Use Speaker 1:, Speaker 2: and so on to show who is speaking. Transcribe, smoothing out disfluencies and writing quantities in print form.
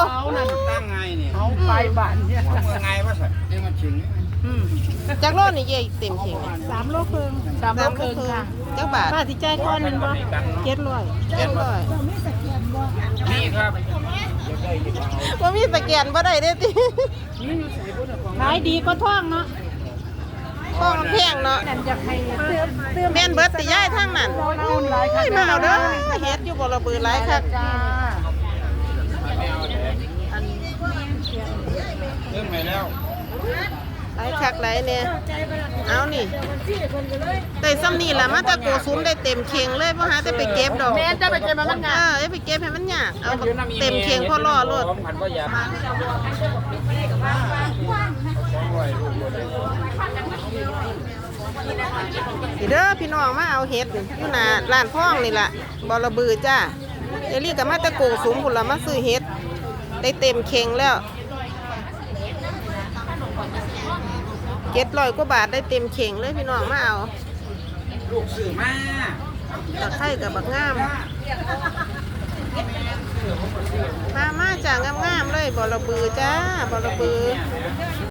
Speaker 1: เขานั่นตั้งไงเนี่ย
Speaker 2: เขาไปบ้านเนี่ย
Speaker 1: เมื่อไงวะสัตว์เรื่องมันชิง
Speaker 3: จักโลนี่เย่เต็มเข่ง
Speaker 2: 3 โลครึ่ง3 โลครึ่งค่ะ
Speaker 3: จักบาท
Speaker 2: ป้าสิจ่ายก่อนนั่นบ่700
Speaker 3: 700
Speaker 1: นี่ครับ
Speaker 3: ว่ามีสแกนบ่ได้เด้ติ
Speaker 2: ขายดีก็ท่องเนาะ
Speaker 3: ข้อมันแพงเนาะ
Speaker 2: นั่นอยากให้เติม
Speaker 3: แม่นเบิดติย้ายทางนั้น
Speaker 2: เอาหลายค่ะ
Speaker 3: มาเอาเด้อเฮ็ดอยู่บ่ระเบือหลายคัก
Speaker 2: จ้า
Speaker 1: เรื่องไปแล้ว
Speaker 3: หลายคักหลายแน่เอานี่ได้ซ้ำนี่ล่ะมาแตะโกสุมได้เต็มเข่งเลยบ่หาแต่ไปเก็บดอก
Speaker 2: แม่จะไปเก็บมันงาน
Speaker 3: ไปเก็บให้มันยากเอาเต็มเข่งพอรอโลด
Speaker 1: พันก็ยา
Speaker 3: นี่เด้อพี่น้องมาเอาเห็ดอยู่หน้าร้านพ่องนี่ล่ะบ่ระบือจ้าเดี๋ยวรีก็มาแตะโกสุมพุ่นล่ะมาซื้อเห็ดได้เต็มเข่งแล้ว700 กว่าบาทได้เต็มเข่งเลยพี่น้องมาเอา
Speaker 1: ลูกสื่อมา
Speaker 3: ตะไคร้กับบักงามมาจ้างามๆเลยบ่ระบือจ้าบ่ระบือ